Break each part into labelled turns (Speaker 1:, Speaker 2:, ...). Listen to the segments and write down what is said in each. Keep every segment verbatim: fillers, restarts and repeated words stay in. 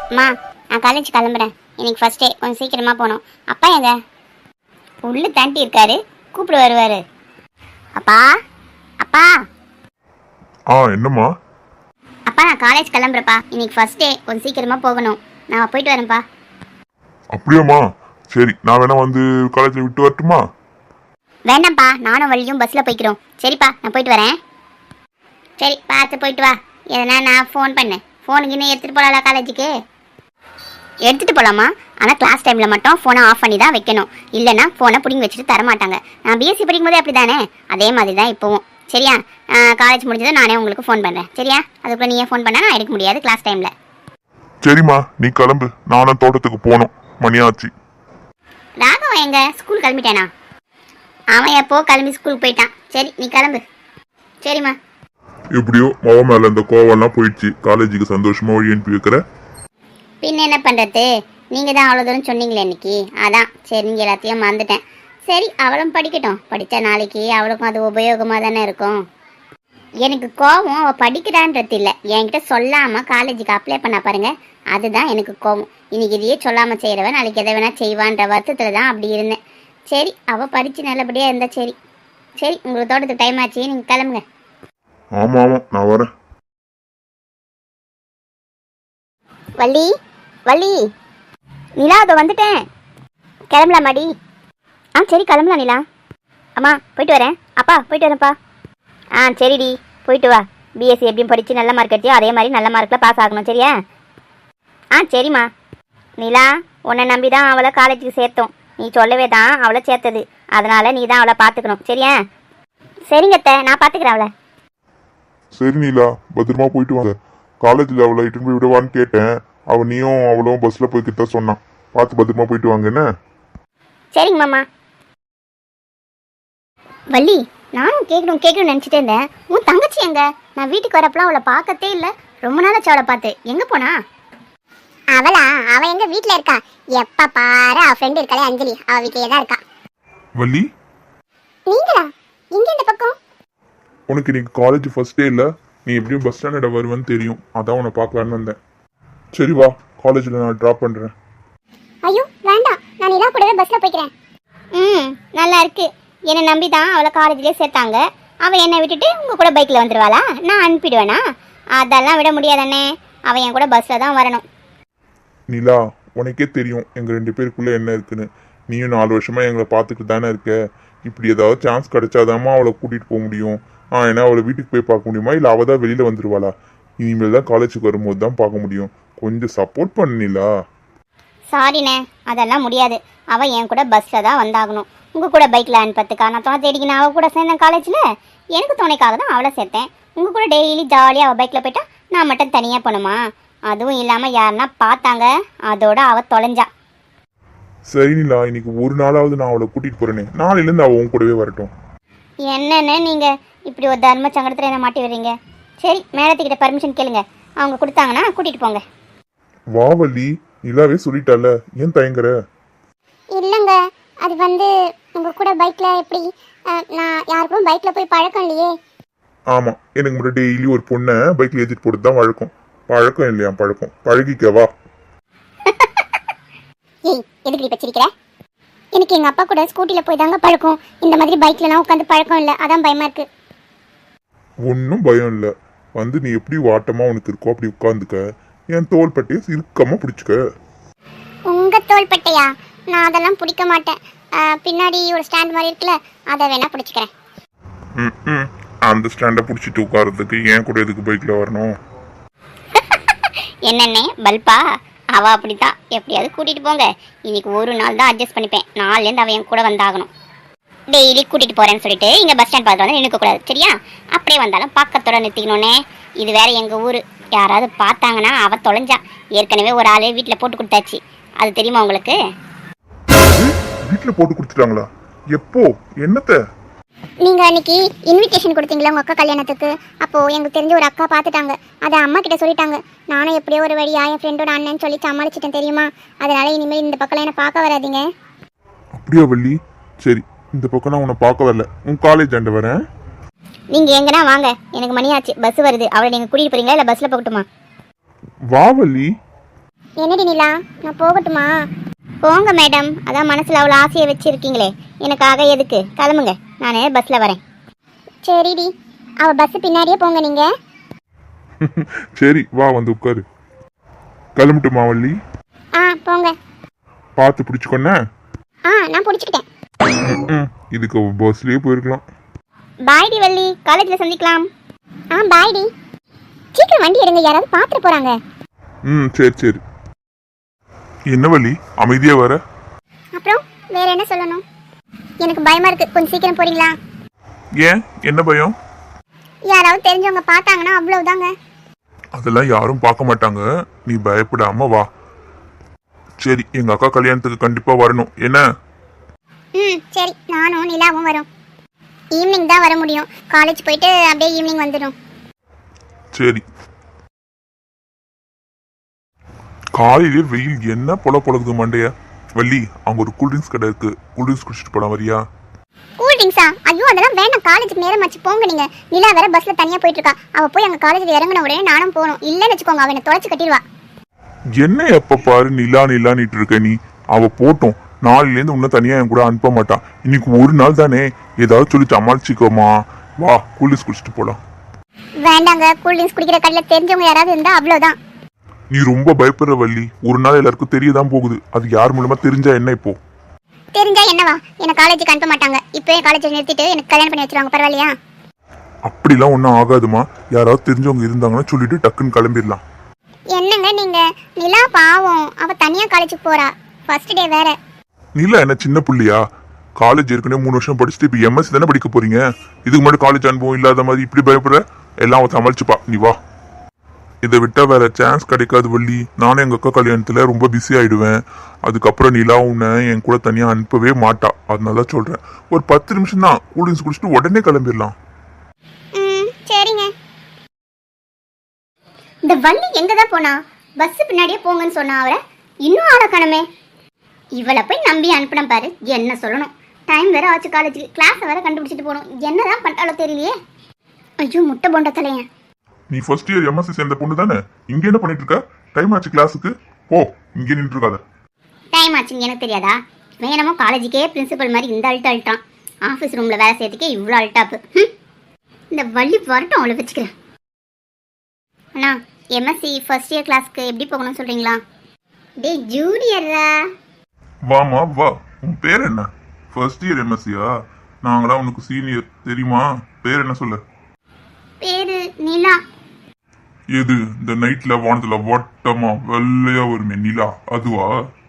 Speaker 1: அம்மா, நான் காலேஜ் கிளம்புறேன். இன்னைக்கு ஃபர்ஸ்ட் டே, கொஞ்சம் சீக்கிரமா போகணும். அப்பா எங்க? உள்ள தாண்டி இருக்காரு, கூப்பிட வருவாரு. அப்பா, அப்பா.
Speaker 2: ஆ என்னம்மா?
Speaker 1: அப்பா, நான் காலேஜ் கிளம்புறப்பா. இன்னைக்கு ஃபர்ஸ்ட் டே, கொஞ்சம் சீக்கிரமா போகணும். நான் போயிட்டு வரேன்ப்பா.
Speaker 2: அப்படியாம்மா? சரி, நான் வேணா வந்து காலேஜில் விட்டு வரட்டுமா?
Speaker 1: வேண்டாம்ப்பா, நானும் வழியும் பஸ்ஸில் போய்க்கிறோம். சரிப்பா, நான் போயிட்டு வரேன். சரி, பார்த்து போயிட்டு வா. எதனா நான் ஃபோன் பண்ணேன். ஃபோனுக்கு இன்னும் எடுத்துகிட்டு போகலாம்ல காலேஜுக்கு? எடுத்துகிட்டு போகலாமா? ஆனால் கிளாஸ் டைமில் மட்டும் ஃபோனை ஆஃப் பண்ணி தான் வைக்கணும். இல்லைனா ஃபோனை பிடிங்கி வச்சுட்டு தரமாட்டாங்க. நான் பிஎஸ்சி படிக்கும்போதே அப்படி தானே, அதே மாதிரி தான் இப்போவும். சரியா? காலேஜ் முடிஞ்சதும் நானே உங்களுக்கு ஃபோன் பண்ணுறேன். சரியா? அதுக்குள்ளே நீயே ஃபோன் பண்ணால் நான் எடுக்க முடியாது கிளாஸ் டைமில்.
Speaker 2: சரிம்மா, நீ கிளம்பு. நானும் தோட்டத்துக்கு போகணும், மணியாச்சு.
Speaker 1: ராகவன் எங்க? ஸ்கூல் கிளம்பிட்டானா? அவன் எப்போ கிளம்பி ஸ்கூலுக்கு போயிட்டான். சரி, நீ கிளம்பு. சரிம்மா.
Speaker 2: எப்படியோ மவ மேல இந்த கோவம்லாம் போயிடுச்சு. காலேஜுக்கு சந்தோஷமா வழி அனுப்பி வைக்கிற.
Speaker 1: பின்ன என்ன பண்ணுறது? நீங்கள் தான் அவ்வளோ தூரம் சொன்னீங்களே இன்னைக்கு, அதான் சரிங்க, எல்லாத்தையும் மறந்துட்டேன். சரி, அவளும் படிக்கட்டும். படித்தா நாளைக்கு அவளுக்கும் அது உபயோகமாக தானே இருக்கும். எனக்கு கோவம் அவள் படிக்கிறான்றது இல்லை, என்கிட்ட சொல்லாமல் காலேஜுக்கு அப்ளை பண்ண பாருங்க, அதுதான் எனக்கு கோவம். இன்னைக்கு இதையே சொல்லாமல் செய்கிறவன் நாளைக்கு எதை வேணால் செய்வான்ற வருத்தத்தில் தான் அப்படி இருந்தேன். சரி, அவள் படித்து நல்லபடியாக இருந்தா சரி. சரி, உங்களுக்கு தோட்டத்துக்கு டைம் ஆச்சு, நீங்கள் கிளம்புங்க.
Speaker 2: ஆமா ஆமா, நான் வரேன்.
Speaker 1: வள்ளி, வள்ளி. நிலா, அதை வந்துட்டேன். கிளம்பலாமாடி? ஆ சரி, கிளம்பலாம் நிலா. அம்மா, போயிட்டு வரேன். அப்பா, போயிட்டு வரேன்ப்பா. ஆ சரிடி, போயிட்டு வா. பிஎஸ்சி எப்படியும் படித்து நல்ல மார்க் எடுத்தியோ அதே மாதிரி நல்ல மார்க்கில் பாஸ் ஆகணும். சரியா? ஆ சரிம்மா. நிலா, உன்னை நம்பி தான் அவளை காலேஜுக்கு சேர்த்தோம். நீ சொல்லவே தான் அவளை சேர்த்தது. அதனால் நீ தான் அவளை பார்த்துக்கணும். சரியா? சரிங்கத்த, நான் பார்த்துக்கிறேன் அவளை.
Speaker 2: சரி நீலா, பத்திரமா போயிட்டு வாங்க. காலேஜில் அவளை இட்டுன்னு போய் விடுவான்னு கேட்டேன். அவள் நீயும் அவளும் பஸ்ஸில் போய்கிட்ட சொன்னான். பார்த்து பத்திரமா போயிட்டு வாங்க என்ன?
Speaker 1: சரிங்க மாமா. வள்ளி, நானும் கேட்கணும் கேட்கணும்னு நினச்சிட்டே இருந்தேன். உன் தங்கச்சி எங்க? நான் வீட்டுக்கு வரப்பெல்லாம் அவளை பார்க்கத்தே இல்லை. ரொம்ப நாளாச்சு அவளை பார்த்து. எங்கே போனா?
Speaker 3: அவளா? அவ எங்க வீட்ல இருக்கா. எப்ப பாரு அவ ஃப்ரெண்ட் இருக்காளே அஞ்சலி, அவ வீட்லயே தான் இருக்கா.
Speaker 2: வள்ளி,
Speaker 3: நீங்களா? எங்க இந்த பக்கம்?
Speaker 2: உனக்கு இன்னைக்கு காலேஜ் ஃபர்ஸ்ட் டே இல்லை. நீ எப்படியும் பஸ் ஸ்டாண்டர்ட வருவேன்னு தெரியும். அதான் உன்னை பார்க்கலான்னு வந்தேன். சரி வா, காலேஜில் நான் ட்ராப் பண்ணுறேன்.
Speaker 3: ஐயோ வேண்டாம், நான் நிலா கூடவே பஸ்ல போய்க்கிறேன்.
Speaker 1: ம், நல்லா இருக்கு. என்னை நம்பி தான் அவளை காலேஜ்லேயே சேர்த்தாங்க. அவள் என்னை விட்டுட்டு உங்கள் கூட பைக்கில் வந்துடுவாளா? நான் அனுப்பிடுவேனா? அதெல்லாம் விட முடியாதானே. அவள் என் கூட பஸ்ஸில் தான் வரணும்.
Speaker 2: நிலா, உனக்கே தெரியும் எங்கள் ரெண்டு பேருக்குள்ளே என்ன இருக்குன்னு. நீயும் நாலு வருஷமா எங்களை பார்த்துக்கிட்டு தானே இருக்க. இப்படி ஏதாவது சான்ஸ் கிடைச்சாதாம்மா அவளை கூட்டிகிட்டு போக முடியும். ஆ ஏன்னா அவளை வீட்டுக்கு போய் பார்க்க முடியுமா, இல்லை அவள் தான் வெளியில் வந்துடுவாளா? இனிமேல் தான் காலேஜுக்கு வரும்போது தான் பார்க்க முடியும். கொஞ்சம் சப்போர்ட் பண்ணிலா.
Speaker 1: சாரிண்ணே, அதெல்லாம் முடியாது. அவள் என் கூட பஸ்ஸில் தான் வந்தாகணும். உங்கள் கூட பைக்கில் அனுப்பத்துக்கா நான் தோணை தேடிக்கு நான் அவள் கூட சேர்ந்தேன் காலேஜில். எனக்கு துணைக்காக தான் அவளை சேர்த்தேன். உங்கள் கூட டெய்லி ஜாலியாக அவள் பைக்கில் போயிட்டா நான் மட்டும் தனியாக போகணுமா? அதுவும் இல்லாமல் யாருன்னா பார்த்தாங்க, அதோட அவள் தொலைஞ்சா.
Speaker 2: சரி நிலா, இன்னைக்கு ஒரு நாளாவது நான் அவளை கூட்டிகிட்டு போகிறேனே. நாளையிலேருந்து அவள் உன் கூடவே வரட்டும்.
Speaker 1: என்னென்னு நீங்கள் இப்படி ஒரு தர்ம சங்கடத்தில் என்ன மாட்டி வர்றீங்க? சரி, மேடத்துக்கிட்ட பர்மிஷன் கேளுங்க. அவங்க கொடுத்தாங்கன்னா கூட்டிகிட்டு போங்க.
Speaker 2: வா வள்ளி, நிலாவே சொல்லிட்டால, ஏன் தயங்குற?
Speaker 3: இல்லங்க, அது வந்து உங்க கூட பைக்ல எப்படி? நான் யாருக்கும் பைக்ல போய் பழக்கம் இல்லையே.
Speaker 2: ஆமா, எனக்கு முன்னாடி டெய்லி ஒரு பொண்ணை பைக்ல ஏற்றிட்டு போட்டு தான் வழக்கம். பழக்கம் இல்லையா? பழக்கம். பழகிக்கவா?
Speaker 3: ஏய், எதுக்கு இப்ப சிரிக்கிற? எனக்கு எங்க அப்பா கூட ஸ்கூட்டில போய் தாங்க பழக்கம். இந்த மாதிரி பைக்லலாம் உட்காந்து பழக்கம் இல்லை, அதான் பயமா இருக்கு.
Speaker 2: ஒன்றும் பயம் இல்லை. வந்து நீ எப்படி வாட்டமா உனக்கு இருக்கோ அப்படி உட்காந்துக்க. என் தோல் பட்டையை இறுக்கமா பிடிச்சிக்க.
Speaker 3: உங்க தோள்பட்டையா? நான் அதெல்லாம் பிடிக்க மாட்டேன். பின்னாடி ஒரு ஸ்டாண்ட் மாதிரி இருக்குல்ல, அதை வேணா பிடிச்சிக்கிறேன்.
Speaker 2: ம் ம் அந்த ஸ்டாண்டை பிடிச்சிட்டு உட்காரத்துக்கு ஏன் கூட எதுக்கு பைக்கில் வரணும்?
Speaker 1: என்னென்ன பல்பா? அவள் அப்படித்தான். எப்படியாவது கூட்டிகிட்டு போங்க. இன்னைக்கு ஒரு நாள் தான் அட்ஜஸ்ட் பண்ணிப்பேன். நாலுலேருந்து அவன் என் கூட வந்தாகணும். டெய்லி கூட்டிகிட்டு போகிறேன்னு சொல்லிட்டு இங்கே பஸ் ஸ்டாண்ட் பார்த்து வந்து நிற்கக்கூடாது. சரியா? அப்படியே வந்தாலும் பக்கத்தோட நிறுத்திக்கணுன்னே. இது வேற எங்கள் ஊர். யாராவது பார்த்தாங்கன்னா அவள் தொலைஞ்சா. ஏற்கனவே ஒரு ஆள் வீட்டில் போட்டு கொடுத்தாச்சு. அது தெரியுமா உங்களுக்கு?
Speaker 2: வீட்டில் போட்டு கொடுத்துட்டாங்களா? எப்போ? என்னத்த?
Speaker 3: நீங்க அன்னைக்கு இன்விடேஷன் கொடுத்தீங்களா உங்க அக்கா கல்யாணத்துக்கு? அப்போ எனக்கு தெரிஞ்ச ஒரு அக்கா பார்த்துட்டாங்க. அதை அம்மா கிட்ட சொல்லிட்டாங்க. நானும் எப்படியோ ஒரு வழியா என் ஃப்ரெண்டோட அண்ணன் சொல்லி சமாளிச்சிட்டேன் தெரியுமா? அதனால இனிமேல் இந்த பக்கம் என்ன பார்க்க வராதீங்க.
Speaker 2: அப்படியா வள்ளி? சரி, இந்த பக்கம் நான் உன்னை பார்க்க வரல. உன் காலேஜ் ஆண்டு வரேன்.
Speaker 1: நீங்கள் எங்கன்னா வாங்க, எனக்கு மணி ஆச்சு, பஸ் வருது. அவளை நீங்கள் கூட்டிகிட்டு போகிறீங்களா இல்லை பஸ்ஸில் போகட்டுமா?
Speaker 2: வா வள்ளி.
Speaker 3: என்னடி நிலா, நான் போகட்டுமா?
Speaker 1: போங்க மேடம், அதான் மனசில் அவ்வளோ ஆசையை வச்சுருக்கீங்களே, எனக்காக எதுக்கு? கிளம்புங்க, நான் பஸ்ஸில் வரேன்.
Speaker 3: சரிடி, அவ பஸ் பின்னாடியே போங்க நீங்க.
Speaker 2: சரி வா வந்து உட்காரு. கிளம்பிட்டுமா வள்ளி?
Speaker 3: ஆ போங்க.
Speaker 2: பார்த்து பிடிச்சிக்கொன்ன.
Speaker 3: ஆ நான் பிடிச்சிக்கிட்டேன்.
Speaker 2: இதுக்கு பஸ்லயே போயிருக்கலாம்.
Speaker 1: பாய் டி வள்ளி, காலேஜில் சந்திக்கலாம்.
Speaker 3: ஆ பாய் டி. சீக்கிரம் வண்டி எடுங்க, யாராவது பார்த்துட்டு போறாங்க.
Speaker 2: ம் சரி சரி. என்ன வள்ளி அமைதியா வர?
Speaker 3: அப்புறம் வேற என்ன சொல்லணும்? எனக்கு பயமா இருக்கு, கொஞ்சம் சீக்கிரம் போறீங்களா?
Speaker 2: ஏன் என்ன பயம்?
Speaker 3: யாராவது தெரிஞ்சவங்க பார்த்தாங்கன்னா அவ்வளவுதாங்க.
Speaker 2: அதெல்லாம் யாரும் பார்க்க மாட்டாங்க, நீ பயப்படாம வா. சரி, எங்க அக்கா கல்யாணத்துக்கு கண்டிப்பா வரணும் என்ன?
Speaker 3: ம் சரி, நானும் நிலாவும் வரோம். ஈவினிங் தான் வர முடியும், காலேஜ் போயிட்டு அப்படியே ஈவினிங் வந்துடும்.
Speaker 2: சரி. காலையிலே வெயில் என்ன பொல பொழக்குது மண்டைய. வள்ளி, அங்க ஒரு கூல்ட்ரிங்க்ஸ் கடை இருக்கு, கூல்ட்ரிங்க்ஸ் குடிச்சிட்டு போலாம் வரியா?
Speaker 3: கூல் ட்ரிங்க்ஸா? ஐயோ அதெல்லாம் வேணாம், காலேஜுக்கு நேரம் ஆச்சு, போங்க நீங்க. நிலா வேற பஸ்ல தனியா போயிட்டு இருக்கா, அவ போய் அங்க காலேஜ்ல இறங்கின உடனே நானும் போகணும். இல்லன்னு வச்சுக்கோங்க, அவனை தொலைச்சு கட்டிடுவா.
Speaker 2: என்ன எப்ப பாரு நிலா நிலானிட்டு இருக்க நீ? அவ போட்டோம், நாளையில இருந்து உன்ன தனியா என் கூட அனுப்ப மாட்டான். இன்னைக்கு ஒரு நாள் தானே, ஏதாவது சொல்லி சமாளிச்சுக்கோமா. வா, கூல்ட்ரிங்க்ஸ் குடிச்சிட்டு போலாம்.
Speaker 3: வேண்டாங்க, கூல் ட்ரிங்க்ஸ் குடிக்கிற கடையில தெரிஞ்சவங்க யாராவது இருந்தா அவ்வளவுதான்.
Speaker 2: நீ ரொம்ப பயப்படுற வள்ளி, ஒரு நாள் எல்லாருக்கும் தெரியதான் போகுது. அது யார் மூலமா தெரிஞ்சா என்ன இப்போ?
Speaker 3: தெரிஞ்சா என்னவா, என்ன காலேஜுக்கு அனுப்ப மாட்டாங்க. இப்பவே காலேஜ் நிறுத்திட்டு எனக்கு கல்யாணம் பண்ணி வச்சிருவாங்க, பரவாயில்லையா?
Speaker 2: அப்படிலாம் ஒன்றும் ஆகாதுமா. யாராவது தெரிஞ்சவங்க இருந்தாங்கன்னா சொல்லிட்டு டக்குன்னு கிளம்பிடலாம்.
Speaker 3: என்னங்க நீங்க? நிலா பாவம், அவ தனியா காலேஜுக்கு போறா, ஃபர்ஸ்ட் டே வேற.
Speaker 2: நிலா என்ன சின்ன புள்ளியா? காலேஜ் ஏற்கனவே மூணு வருஷம் படிச்சுட்டு இப்போ எம்எஸ்சி தானே படிக்க போறீங்க. இதுக்கு முன்னாடி காலேஜ் அனுபவம் இல்லாத மாதிரி இப்படி பயப்படுற? எல்லாம் அவன் சமாளிச்சுப்பா, நீ வா. இதை விட்டா வேற சான்ஸ் கிடைக்காது வள்ளி. நானே எங்க அக்கா கல்யாணத்துல ரொம்ப பிஸி ஆயிடுவேன். அதுக்கப்புறம் நிலா உன்னை என் கூட தனியா அனுப்பவே மாட்டா. அதனால சொல்றேன், ஒரு பத்து நிமிஷம் தான், கூல்ட்ரிங்க்ஸ் குடிச்சிட்டு உடனே கிளம்பிடலாம்.
Speaker 3: ம் சரிங்க.
Speaker 1: இந்த வள்ளி எங்க தான் போனா? பஸ் பின்னாடியே போங்கன்னு சொன்னா அவரை, இன்னும் ஆளை காணமே. இவளை போய் நம்பி அனுப்பின பாரு, என்ன சொல்லணும். டைம் வேற ஆச்சு, காலேஜுக்கு கிளாஸை வேற கண்டுபிடிச்சிட்டு போகணும். என்னதான் பண்ணிட்டாலோ தெரியலையே. ஐயோ முட்டை போண்ட தலையன்.
Speaker 2: நீ ஃபர்ஸ்ட் இயர் எம்எஸ்சி சேர்ந்த பொண்ணு தானே, இங்க என்ன பண்ணிட்டு இருக்க? டைம் ஆச்சு கிளாஸுக்கு, போ. இங்கே நின்று இருக்காத.
Speaker 1: டைம் ஆச்சுங்க எனக்கு தெரியாதா? வேணமோ காலேஜுக்கே பிரின்சிபல் மாதிரி இந்த அல்ட்டு அல்ட்டான். ஆஃபீஸ் ரூமில் வேலை செய்யறதுக்கே இவ்வளோ அல்ட்டாப்பு. இந்த வள்ளி வரட்டும், அவளை வச்சுக்கிறேன். அண்ணா, எம்எஸ்சி ஃபர்ஸ்ட் இயர் கிளாஸ்க்கு எப்படி போகணும்னு சொல்கிறீங்களா? டே ஜூனியரா?
Speaker 2: வாமா வா. உன் பேர் என்ன? ஃபர்ஸ்ட் இயர் எம்எஸ்சியா? நாங்களாம் உனக்கு சீனியர் தெரியுமா? பேர் என்ன சொல்ல?
Speaker 1: பேரு நிலா.
Speaker 2: எது இந்த நைட்ல வானத்துல வட்டமா வெள்ளையா வருமே நிலா, அதுவா?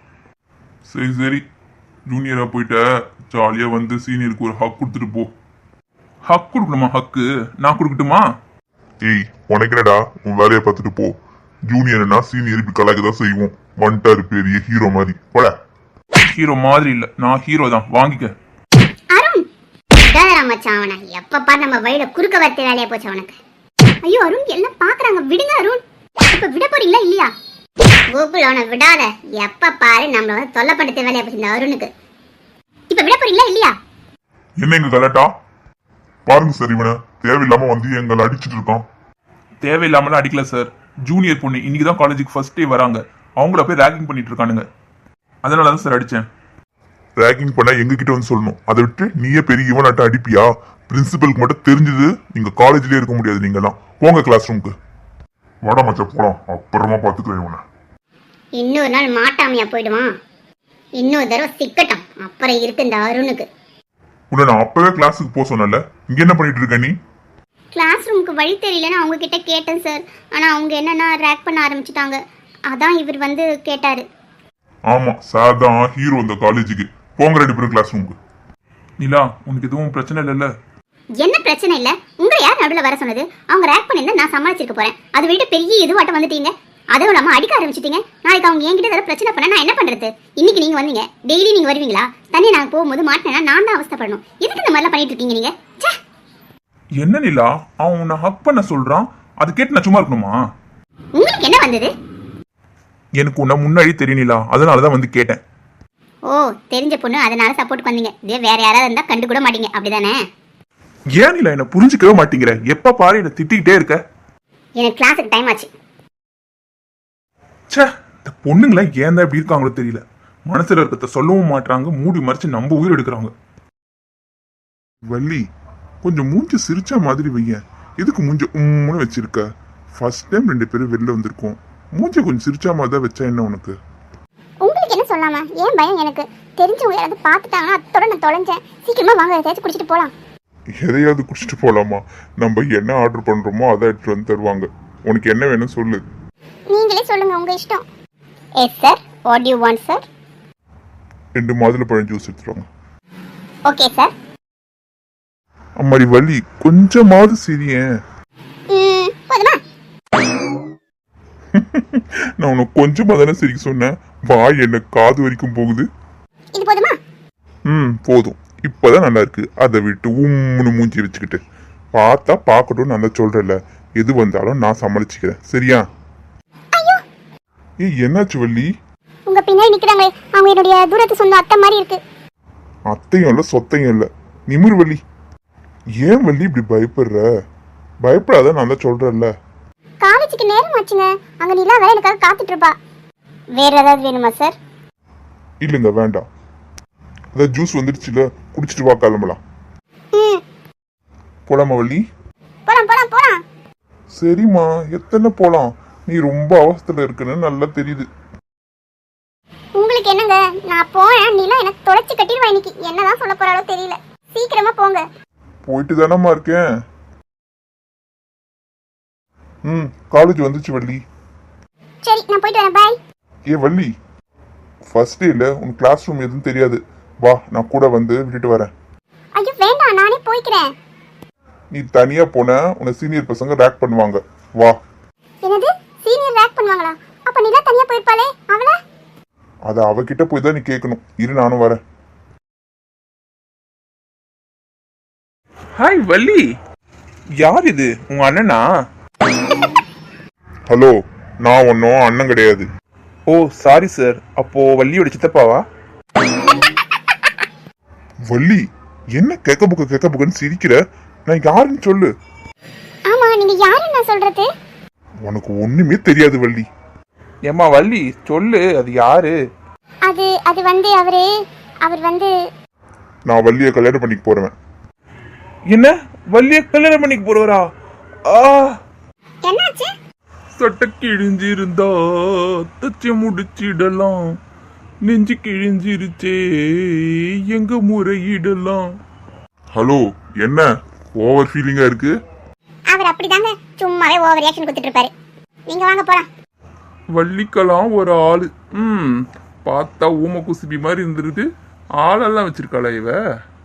Speaker 2: சரி சரி, ஜூனியரா போயிட்ட, ஜாலியா வந்து சீனியருக்கு ஒரு ஹக் கொடுத்துட்டு போ. ஹக் கொடுக்கணுமா? ஹக்கு நான் கொடுக்கட்டுமா? ஏய் உனக்கு என்னடா, உன் வேலையை பார்த்துட்டு போ. ஜூனியர்னா சீனியர் இப்படி கலாய்க்க தான் செய்வோம். வந்துட்டாரு பெரிய ஹீரோ மாதிரி. போல. ஹீரோ மாதிரி இல்ல, நான் ஹீரோ தான், வாங்கிக்க.
Speaker 1: அருண் விடாதரா மச்சான் அவனை. எப்ப பாரு நம்ம வழியில குறுக்க வரத்து வேலையா போச்சு அவனுக்கு. ஐயோ அருண், எல்லாம் பாக்குறாங்க, விடுங்க அருண். இப்ப விட போறீங்களா இல்லையா? கோகுல் அவனை விடாத, எப்ப பாரு நம்மள வந்து தொல்லை படுத்த வேலையா போச்சு இந்த அருணுக்கு. இப்ப விட போறீங்களா இல்லையா?
Speaker 2: என்ன இங்க கலாட்டா? பாருங்க சார், இவனை தேவையில்லாம வந்து எங்களை அடிச்சுட்டு இருக்கான். தேவையில்லாமலாம் அடிக்கல சார். ஜூனியர் பொண்ணு இன்னைக்கு தான் காலேஜுக்கு ஃபர்ஸ்ட் டே வராங்க, அவங்கள போய் ரேகிங் பண்ணிட்டு இருக்கானுங்க. அதனால தான் சார் அடிச்சேன். ரேகிங் பண்ணா எங்க கிட்ட வந்து சொல்லணும், அதை விட்டு நீயே பெரிய இவனாட்ட அடிப்பியா? பிரின்சிபலுக்கு மட்டும் தெரிஞ்சது, நீங்க காலேஜ்லயே இருக்க முடியாது. நீங்க எல்லாம் போங்க கிளாஸ் ரூமுக்கு. வட மச்சா போலாம், அப்புறமா பாத்துக்கிறேன் இவனை.
Speaker 1: இன்னொரு நாள் மாட்டாமையா போயிடுவான், இன்னொரு தடவை சிக்கட்டும், அப்புறம் இருக்கு இந்த அருணுக்கு.
Speaker 2: உன்னை நான் அப்பவே கிளாஸுக்கு போக சொன்னல, இங்க என்ன பண்ணிட்டு இருக்க நீ?
Speaker 1: கிளாஸ் ரூமுக்கு வழி தெரியலன்னு அவங்க கிட்ட கேட்டேன் சார். ஆனா அவங்க என்னன்னா ரேக் பண்ண ஆரம்பிச்சிட்டாங்க. அதான் இவர் வந்து கேட்டாரு.
Speaker 2: ஆமா சார் தான் ஹீரோ இந்த காலேஜுக்கு. போங்க ரெண்டு பேரும் கிளாஸ் ரூமுக்கு. நிலா, உனக்கு எதுவும் பிரச்சனை இல்லைல்ல?
Speaker 1: என்ன பிரச்சனை இல்ல, உங்களை யார் நடுவில் வர சொன்னது? அவங்க ரேக் பண்ணியிருந்தா நான் சமாளிச்சிருக்க போறேன். அதை விட்டு பெரிய இதுவாட்டம் வந்துட்டீங்க, அதுவும் இல்லாம அடிக்க ஆரம்பிச்சிட்டீங்க. நாளைக்கு அவங்க என்கிட்ட ஏதாவது பிரச்சனை பண்ண நான் என்ன பண்றது? இன்னைக்கு நீங்க வந்தீங்க, டெய்லி நீங்க வருவீங்களா? தனியா நான் போகும்போது மாட்டினா நான் தான் அவஸ்தைப்படணும். எதுக்கு இந்த மாதிரிலாம் பண்ணிட்டு இருக்கீங்க நீங்க?
Speaker 2: என்ன நிலா, அவன் உன்னை ஹக் பண்ண சொல்றான், அது கேட்டு நான் சும்மா இருக்கணுமா?
Speaker 1: உங்களுக்கு என்ன வந்தது?
Speaker 2: எனக்கு உன்னை முன்னாடி தெரியலா, அதனாலதான் வந்து கேட்டேன்.
Speaker 1: ஓ, தெரிஞ்ச பொண்ணு அதனால சப்போர்ட் வந்தீங்க. இதே வேற யாராவது இருந்தா கண்டு கூட மாட்டீங்க, அப்படிதானே?
Speaker 2: ஏன் நிலா என்ன புரிஞ்சுக்கவே மாட்டேங்கிற? எப்ப பாரு என்ன திட்டிக்கிட்டே இருக்க.
Speaker 1: எனக்கு கிளாஸுக்கு டைம் ஆச்சு.
Speaker 2: ச்சே, இந்த
Speaker 4: பொண்ணுங்களாம் ஏன் தான் இப்படி இருக்காங்களோ தெரியல. மனசுல இருக்கிறத சொல்லவும் மாட்றாங்க, மூடி மறைச்சு நம்ம உயிர் எடுக்கிறாங்க.
Speaker 2: வள்ளி, கொஞ்சம் மூஞ்சி சிரிச்சா மாதிரி வையேன். எதுக்கு மூஞ்ச உம்முன்னு வச்சிருக்க? ஃபர்ஸ்ட் டைம் ரெண்டு பேரும் வெளில வந்திருக்கோம். மூஞ்ச கொஞ்சம் சிரிச்சா மாதிரி தான் வச்சா என்ன உனக்கு?
Speaker 3: உங்களுக்கு என்ன சொல்லாமா? ஏன் பயம் எனக்கு? தெரிஞ்சவங்க யாராவது பார்த்துட்டாங்கன்னா அத்தோட நான் தொலைஞ்சேன். சீக்கிரமா வாங்க, ஏதாச்சும் குடிச்சிட்டு போலாம்.
Speaker 2: எதையாவது குடிச்சிட்டு போலாமா? நம்ம என்ன ஆர்டர் பண்றோமோ அதை எடுத்துட்டு வந்து தருவாங்க. உனக்கு என்ன வேணும் சொல்லு.
Speaker 3: நீங்களே சொல்லுங்க, உங்க இஷ்டம்.
Speaker 1: Yes sir, what you want sir?
Speaker 2: ரெண்டு மாதுளை பழம் ஜூஸ் எடுத்துருவாங்க.
Speaker 1: Okay sir.
Speaker 2: அம்மாடி வள்ளி, கொஞ்சமாவது சிரியேன்.
Speaker 3: ம், போதுமா?
Speaker 2: நான் உனக்கு கொஞ்சமா தானே சிரிக்க சொன்னேன். வாய் என்ன காது வரைக்கும் போகுது.
Speaker 3: இது போதுமா?
Speaker 2: ம், போதும். இப்பதான் நல்லா இருக்கு. அதை விட்டு உம்முன்னு மூஞ்சி வச்சுக்கிட்டு பார்த்தா பார்க்கட்டும். நான் தான் சொல்றேன்ல, எது வந்தாலும் நான் சமாளிச்சுக்கிறேன், சரியா? ஏய், என்னாச்சு வள்ளி?
Speaker 3: உங்க பின்னாடி நிக்கிறாங்களே, அவங்க என்னுடைய தூரத்து சொந்த அத்தை மாதிரி இருக்கு.
Speaker 2: அத்தையும் இல்ல சொத்தையும் இல்ல, நிமிர் வள்ளி. ஏன் வள்ளி இப்படி பயப்படுற? பயப்படாத, நான் தான் சொல்றேன்ல.
Speaker 3: காலேஜுக்கு நேரம் ஆச்சுங்க. அங்க நிலா வேற எனக்காக காத்துட்டு இருப்பா.
Speaker 1: வேற ஏதாவது வேணுமா சார்?
Speaker 2: இல்லைங்க, வேண்டாம். அதான் ஜூஸ் வந்துடுச்சுல, குடிச்சிட்டு வா, கிளம்பலாம்.
Speaker 3: ம்,
Speaker 2: போலாமா வள்ளி?
Speaker 3: போலாம் போலாம் போலாம்.
Speaker 2: சரிம்மா, எத்தனை போலாம்? நீ ரொம்ப அவசரத்துல இருக்குன்னு நல்லா தெரியுது.
Speaker 3: உங்களுக்கு என்னங்க, நான் போறேன். நிலா எனக்கு தொலைச்சு கட்டிடுவா இன்னைக்கு. என்னதான் சொல்ல போறாளோ தெரியல. சீக்கிரமா போங்க.
Speaker 2: போயிட்டு தானம்மா இருக்கேன். ம், காலேஜ் வந்துச்சு வள்ளி.
Speaker 3: சரி, நான் போயிட்டு வரேன். பாய்.
Speaker 2: ஏ வள்ளி, ஃபர்ஸ்ட் டேல உன் கிளாஸ் ரூம் எதுவும் தெரியாது. வா, நான் கூட வந்து விட்டுட்டு வரேன்.
Speaker 3: ஐயோ வேண்டாம், நானே போய்க்கிறேன்.
Speaker 2: நீ தனியா போன உன்னை சீனியர் பசங்க ரேக் பண்ணுவாங்க. வா.
Speaker 3: என்னது, சீனியர் ரேக் பண்ணுவாங்களா? அப்ப நிலா தனியா போயிருப்பாளே, அவள?
Speaker 2: அதை அவகிட்ட போய் தான் நீ கேட்கணும். இரு, நானும் வரேன்.
Speaker 4: ஹாய் வள்ளி, யார் இது? உங்க அண்ணனா?
Speaker 2: ஹலோ, நான் ஒன்னும் அண்ணன் கிடையாது.
Speaker 4: Oh sorry sir. அப்போ வள்ளியோட சித்தப்பாவா?
Speaker 2: வள்ளி, என்ன கேக்க புக்க கேக்க புக்கன்னு சிரிக்கிற? நான் யாருன்னு சொல்லு.
Speaker 3: ஆமா, நீங்க யாருன்னு நான் சொல்றது?
Speaker 2: உனக்கு ஒண்ணுமே தெரியாது வள்ளி.
Speaker 4: ஏம்மா வள்ளி சொல்லு, அது யாரு?
Speaker 3: அது அது வந்து அவரு அவர் வந்து
Speaker 2: நான் வள்ளியை கல்யாணம் பண்ணிக்க போறேன்.
Speaker 4: என்ன, வள்ளிய கல்யாணம் பண்ணிக்க போறவரா? ஆ,
Speaker 3: என்னாச்சு?
Speaker 4: சட்டை கிழிஞ்சிருந்தா தச்சு முடிச்சிடலாம், நெஞ்சு கிழிஞ்சிருச்சே எங்க முறையிடலாம்.
Speaker 2: ஹலோ, என்ன ஓவர் ஃபீலிங்கா இருக்கு?
Speaker 3: அவர் அப்படிதாங்க, சும்மாவே ஓவர் ரியாக்ஷன் கொடுத்துட்டு இருப்பாரு. நீங்க வாங்க போலாம்.
Speaker 4: வள்ளிக்கலாம் ஒரு ஆளு. ம், பார்த்தா ஊம குசுபி மாதிரி இருந்துருக்கு. ஆளெல்லாம் வச்சிருக்காளா இவ?